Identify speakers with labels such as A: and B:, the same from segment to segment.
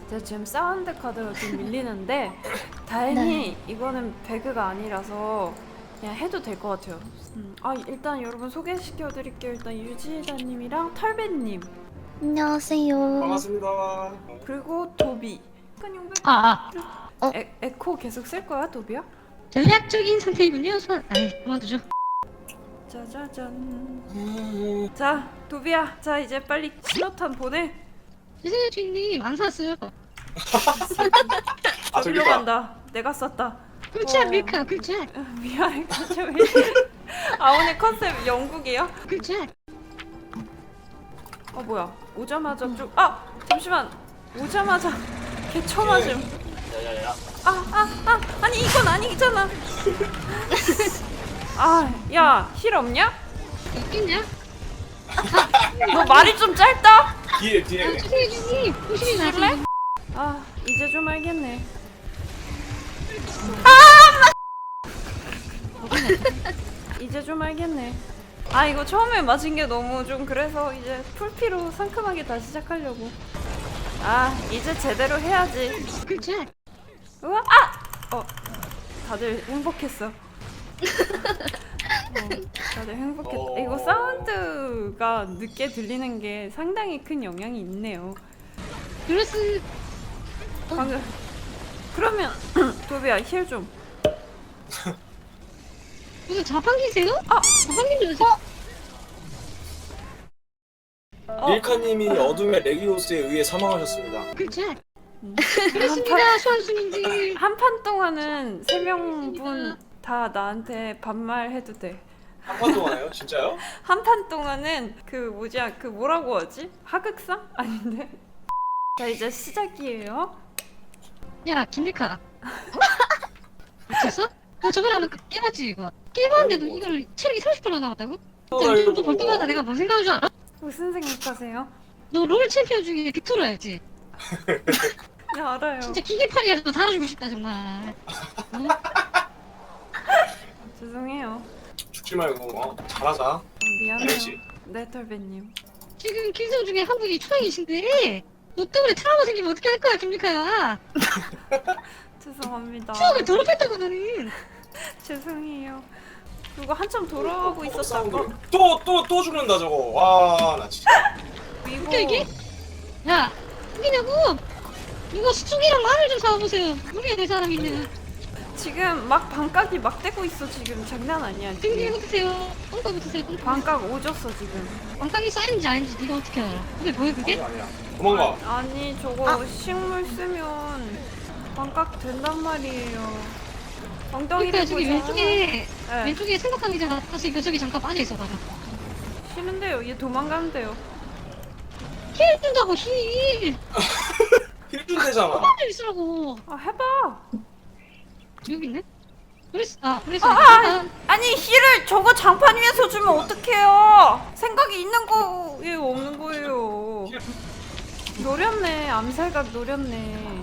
A: 제가 지금 사운드 카드가 좀 밀리는데 다행히 이거는 배그가 아니라서 그냥 해도 될 것 같아요. 일단 여러분 소개시켜드릴게요. 일단 유지다님이랑 털배님
B: 안녕하세요.
C: 반갑습니다.
A: 그리고 도비. 에코 계속 쓸 거야, 도비야?
B: 전략적인 상태이군요. 그만두죠.
A: 짜자잔. 자, 도비야. 자, 이제 빨리 신호탄 보내.
B: 죄송해요, 주인님. 안 샀어요.
A: 저기로
C: 저기다.
A: 간다. 내가 썼다.
B: 굴차, 밀카, 굴차,
A: 미안해. 왜? 오늘 컨셉 영국이야?
B: 굴차.
A: 뭐야? 오자마자 좀 잠시만. 오자마자 개쳐 맞음.
C: 야야야.
A: 아니 이건 아니잖아. 야, 힐 없냐?
B: 있겠냐?
A: 너 말이 좀 짧다.
C: 뒤에.
B: 죄송해요, 주인님. 조심히
A: 쓸래?
B: 나세요.
A: 이제 좀 알겠네. 이제 좀 알겠네. 이거 처음에 맞은 게 너무 좀 그래서 이제 풀피로 상큼하게 다시 시작하려고. 이제 제대로 해야지.
B: 굴차.
A: 우와, 다들 행복했어. 다들 행복했다. 이거 사운드가 늦게 들리는 게 상당히 큰 영향이 있네요.
B: 그렇스.
A: 방금 그러면 도비야 힐 좀.
B: 무슨 자판기세요? 자판기는
C: 밀카님이 어둠의 레기오스에 의해 사망하셨습니다.
B: 굴차. 그렇습니다, 수완수님들.
A: 한 판 동안은 3명분 다 나한테 반말해도 돼.
C: 한 판 동안에요? 진짜요?
A: 한 판 동안은 그 뭐라고 하지? 하극상? 아닌데? 자, 이제 시작이에요.
B: 야, 김밀카. 미쳤어? 너 저번에 한번 깨봤지, 이거? 깨봤는데도 이걸 체력이 30% 남았다고? 진짜 좀볼 때마다 내가 뭔 생각하는 줄 알아?
A: 무슨 생각하세요?
B: 너 롤 챔피언 중에 빅토르 알지?
A: 네, 알아요.
B: 진짜 기계팔이라도 달아주고 싶다, 정말.
A: 죄송해요.
C: 죽지 말고 잘하자.
A: 미안해요.
C: 알지?
A: 네, 털배님.
B: 지금 길성 중에 한국이 초행이신데 너 때문에 트라우마 생기면 어떻게 할 거야, 김미카야?
A: 죄송합니다.
B: 추억을 더럽혔다고 너는.
A: 죄송해요. 그거 한참 돌아가고 있었던 거.
C: 또 죽는다 저거. 와 나 진짜.
A: 이거
B: 웃겨 이게? 야, 웃기냐고? 이거 수축이랑 마늘 좀 사와보세요. 우리에 될 사람 있는.
A: 지금 막 반각이 막 되고 있어. 지금 장난 아니야.
B: 등등
A: 지금.
B: 붙으세요. 똥까 붙으세요. 똥까.
A: 반각 오졌어 지금.
B: 왕깡이 쌓인지 아닌지 네가 어떻게 알아? 근데 뭐야 그게?
C: 아니야. 도망가.
A: 아니 저거 식물 쓰면 반각 된단 말이에요. 엉덩이를
B: 그러니까 저기
A: 보자.
B: 왼쪽에
A: 네.
B: 왼쪽에 생각하기잖아. 다시 저기 잠깐 빠져 있어 봐봐.
A: 싫은데요. 얘 도망가면 돼요.
B: 힐 준다고 힐.
C: 힐 준대잖아.
B: 빠져 있으라고.
A: 해봐.
B: 여기 있네? 그랬어.
A: 아니 힐을 저거 장판 위에서 주면 어떡해요. 생각이 있는 거에 없는 거예요. 노렸네. 암살각 노렸네.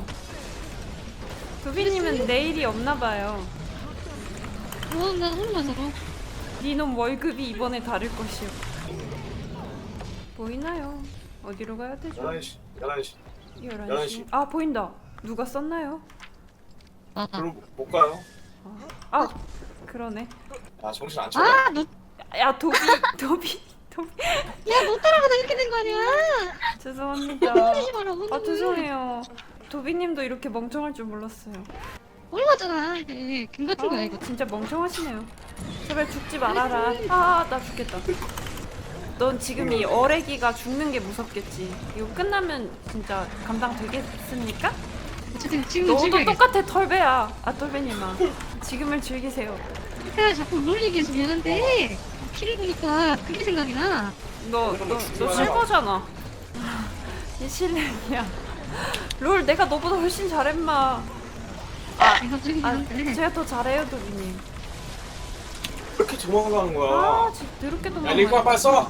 A: 도비님은 내일이 없나봐요.
B: 나 혼자서.
A: 니놈 월급이 이번에 다를 것이오. 보이나요? 어디로 가야 되죠?
C: 11시. 11시.
A: 11시. 보인다. 누가 썼나요?
C: 그럼 못 가요?
A: 그러네.
C: 야 정신 안 차려?
B: 너,
A: 야 도비.
B: 야, 못 따라가다 이렇게 된 거 아니야?
A: 죄송합니다.
B: 혼내지 마라, 혼내.
A: 죄송해요. 도비님도 이렇게 멍청할 줄 몰랐어요.
B: 얼마잖아. 금 같은 거야, 이거.
A: 진짜 멍청하시네요. 제발 죽지 말아라. 나 죽겠다. 넌 지금 이 어레기가 죽는 게 무섭겠지. 이거 끝나면 진짜 감당 되겠습니까?
B: 지금
A: 너도
B: 즐겨야겠어.
A: 똑같아 털배야. 털배님아. 지금을 즐기세요.
B: 내가 자꾸 롤 얘기해서 미안한데 키를 보니까 그게 생각이 나.
A: 너 실버잖아. 이 실력이야. 롤 내가 너보다 훨씬 잘했마.
B: 내가 저기 한데
A: 제가 더 잘해요 도비님.
C: 왜 이렇게 도망가는 거야?
A: 진짜 더럽게
C: 야
A: 도망가.
C: 링크 빨리 써.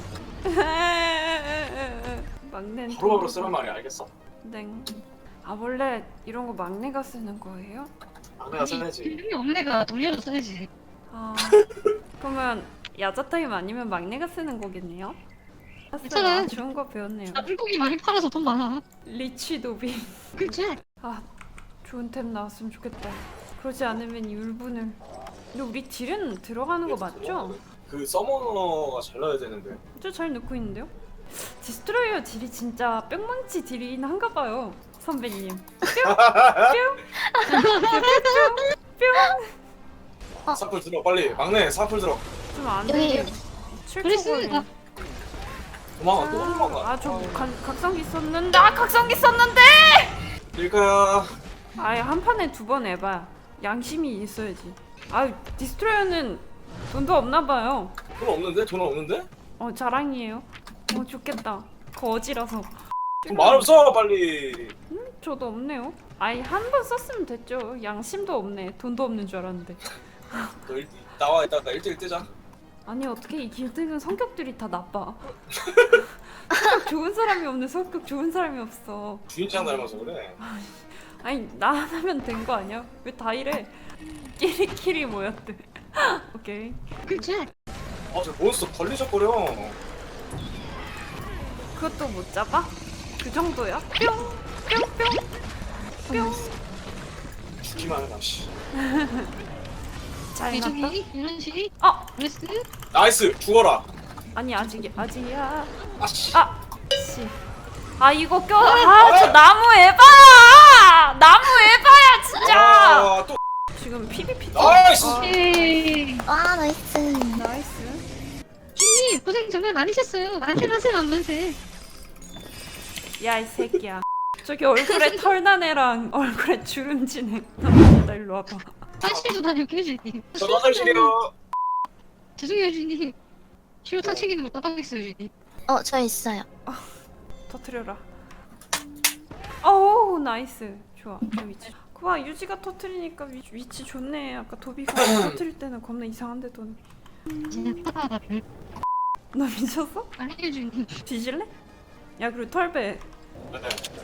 A: 막내
C: 바로바로 쓰란 말이야 알겠어?
A: 땡. 원래 이런 거 막내가 쓰는 거예요?
C: 내가 써야지.
B: 이름이 엄내가 돌려서 써야지.
A: 그러면 야자 타임 아니면 막내가 쓰는 거겠네요?
B: 괜찮아.
A: 좋은 거 배웠네요.
B: 나 물고기 많이 팔아서 돈 많아.
A: 리치 도비.
B: 그치?
A: 아 좋은 템 나왔으면 좋겠다. 그러지 않으면 이 울분을. 근데 우리 딜은 들어가는 거 맞죠?
C: 그 서머너가 잘 나야 되는데.
A: 저 잘 넣고 있는데요? 디스트로이어 딜이 진짜 뿅망치 딜이긴 한가 봐요 선배님. 뿅.
C: 사풀 들어 빨리. 막내 사풀 들어.
A: 좀안
D: 여기
A: 되게.
B: 그래스. 아,
C: 도망가 또 도망가.
A: 아저 각성기 썼는데. 아 각성기 썼는데.
C: 밀카야.
A: 아예 한 판에 2번 해봐. 양심이 있어야지. 아 디스트로이어는 돈도 없나 봐요.
C: 돈 없는데? 돈 없는데?
A: 자랑이에요. 좋겠다. 거지라서.
C: 돈 많으면 써 빨리.
A: 저도 없네요. 아예 한 번 썼으면 됐죠. 양심도 없네. 돈도 없는 줄 알았는데.
C: 너 나와 이따가 1대1 뜨자.
A: 아니 어떻게 이 길드는 성격들이 다 나빠. 성격 좋은 사람이 없네. 성격 좋은 사람이 없어.
C: 주인장 닮아서 그래.
A: 아니 나 하나면 된 거 아니야? 왜 다 이래? 끼리끼리 모였대. 오케이.
B: 그치?
C: 저 몬스터 걸리적거려.
A: 그것도 못 잡아? 그 정도야? 뿅! 뿅! 뿅! 뿅!
C: 죽기만 해라 씨.
A: 잘 났다.
B: 대중이 이런 식이. 그래스.
C: 나이스 죽어라.
A: 아니 아직이야.
C: 아씨.
A: 씨. 이거 저 나무 에바야! 나무 에바야 진짜!
C: 또
A: 지금 PVP.
C: 나이스!
B: 에이.
D: 와 나이스.
A: 나이스.
B: 주님 고생 정말 많으셨어요. 만세만세 만만세.
A: 야 이 새끼야. 저기 얼굴에 털난 애랑 얼굴에 주름진 애. 나 일로 와봐.
B: 화실도 다녀올게요 주님.
C: 저 화장실이요.
B: 죄송해요 주님. 실로 탕치기는 못 따라가겠어요 주님.
D: 저 있어요.
A: 터트려라. 어우 나이스. 좋아 저 위치. 그봐 유지가 터트리니까 위치 좋네. 아까 도비가 터트릴 때는 겁나 이상한데 돈.
B: 진짜 타다가 별.
A: 너 미쳤어?
B: 아니에요 주님.
A: 뒤질래? 야 그리고 털배.
C: 네.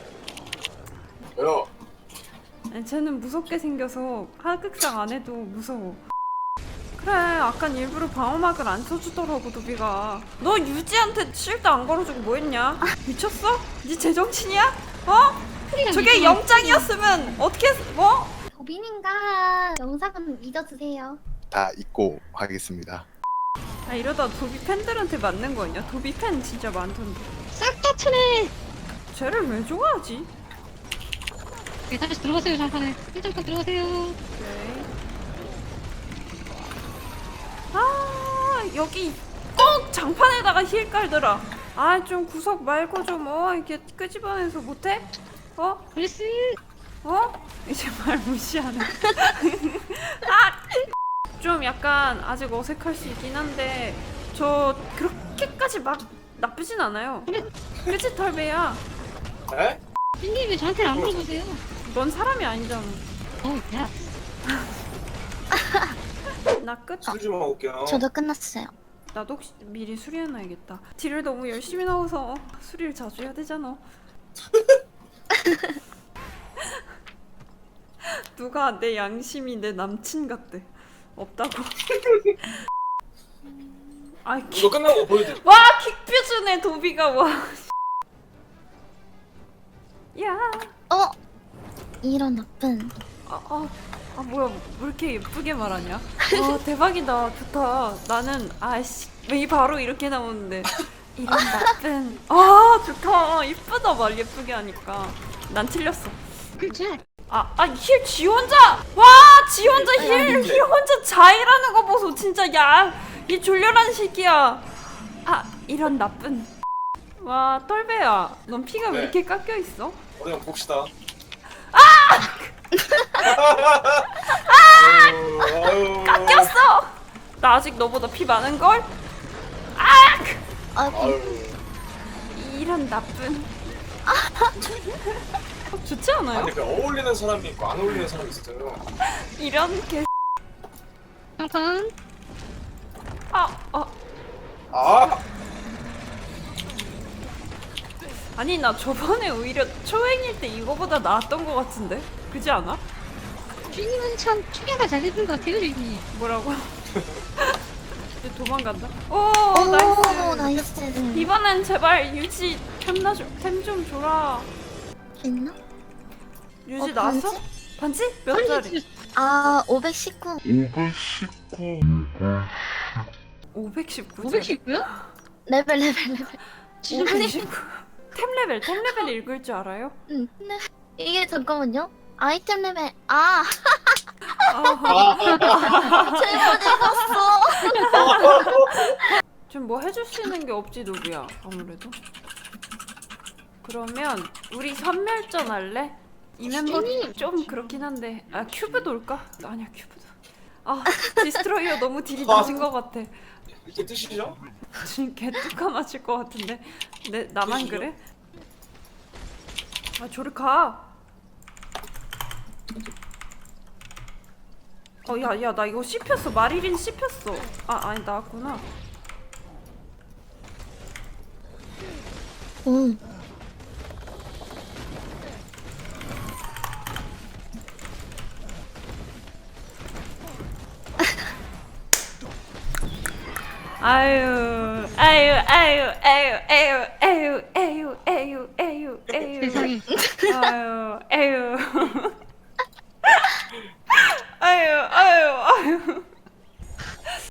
C: 왜요?
A: 아니, 쟤는 무섭게 생겨서 하극상 안 해도 무서워. 그래 아깐 일부러 방어막을 안 쳐주더라고 도비가. 너 유지한테 실드 안 걸어주고 뭐했냐? 미쳤어? 네 제정신이야? 저게 영장이었으면 어떻게 뭐?
D: 도빈인가 영상은 믿어주세요.
E: 다 잊고 하겠습니다.
A: 이러다 도비 팬들한테 맞는 거 아니야? 도비 팬 진짜 많던데.
B: 싹다 트네.
A: 쟤를 왜 좋아하지?
B: 네, 다시 들어가세요 잠깐에. 일단 들어가세요.
A: 오케이. 여기 꼭 장판에다가 힐 깔더라. 좀 구석 말고 좀 이렇게 끄집어내서 못해?
B: 그래스.
A: 이제 말 무시하네. 좀 약간 아직 어색할 수 있긴 한데 저 그렇게까지 막 나쁘진 않아요. 그치 털배야?
C: 에?
B: 주님 왜 저한테 안 물어보세요?
A: 넌 사람이 아니잖아.
B: 야.
A: 나 끝?
C: 술 좀 하고 올게요.
D: 저도 끝났어요.
A: 나도 혹시 미리 수리해놔야겠다. 딜을 너무 열심히 넣어서 수리를 자주 해야 되잖아. 누가 내 양심이 내 남친 같대. 없다고.
C: 이거 끝나고 보여드릴게.
A: 와 킥뷰즈네 도비가 와. 야.
D: 이런 나쁜.
A: 뭐야 왜 이렇게 예쁘게 말하냐? 와 대박이다 좋다. 나는 왜 바로 이렇게 나오는데 이런 나쁜. 좋다. 이쁘다 말 예쁘게 하니까. 난 틀렸어.
B: 그치?
A: 힐 지 혼자. 와 지 혼자 힐 혼자 자일하는 거 보소 진짜. 이 졸렬한 새끼야. 이런 나쁜. 와 똘배야 넌 피가 왜
C: 네.
A: 이렇게 깎여 있어?
C: 어디 한번 봅시다.
A: 깎였어. 나 아직 너보다 피 많은 걸.
C: 아유.
A: 이런 나쁜. 좋지 않아요?
C: 아니 그 어울리는 사람이 있고 안 어울리는 사람이 있어요.
A: 이런 개.
B: 잠깐.
A: 아니 나 저번에 오히려 초행일 때 이거보다 나았던 것 같은데 그지 않아?
B: 주님은 참 추계가 잘 되는 것 같아요 주님.
A: 뭐라고? 이제 도망간다. 오,
D: 오,
A: 나이스.
D: 나이스.
A: 이번엔 제발 유지 템좀 줘라.
D: 있나?
A: 유지
D: 어,
A: 나왔어? 반지? 몇 짜리?
D: 아, 519.
A: 519.
B: 519야?
D: 레벨.
B: 진짜 흔히
A: 519. 템 레벨 읽을 줄 알아요?
D: 응. 근데 이게 잠깐만요. 아이템 레벨. 아, 잘못 읽었어.
A: 좀 뭐 해줄 수 있는 게 없지 노비야 아무래도. 그러면 우리 선멸전 할래? 이 멤버 좀 그렇긴 한데 아 큐브도 올까? 아니야 큐브도. 아 디스트로이어 너무 딜이 낮은 것 같아.
C: 이게 뜻이죠?
A: 지금 개뚜까 맞을 것 같은데. 나만 그래? 아 저리 가. 야 나 이거 씹혔어. 마리린 씹혔어. 아니 나왔구나.
D: 오.
A: 아유
B: 세상에.
A: 아유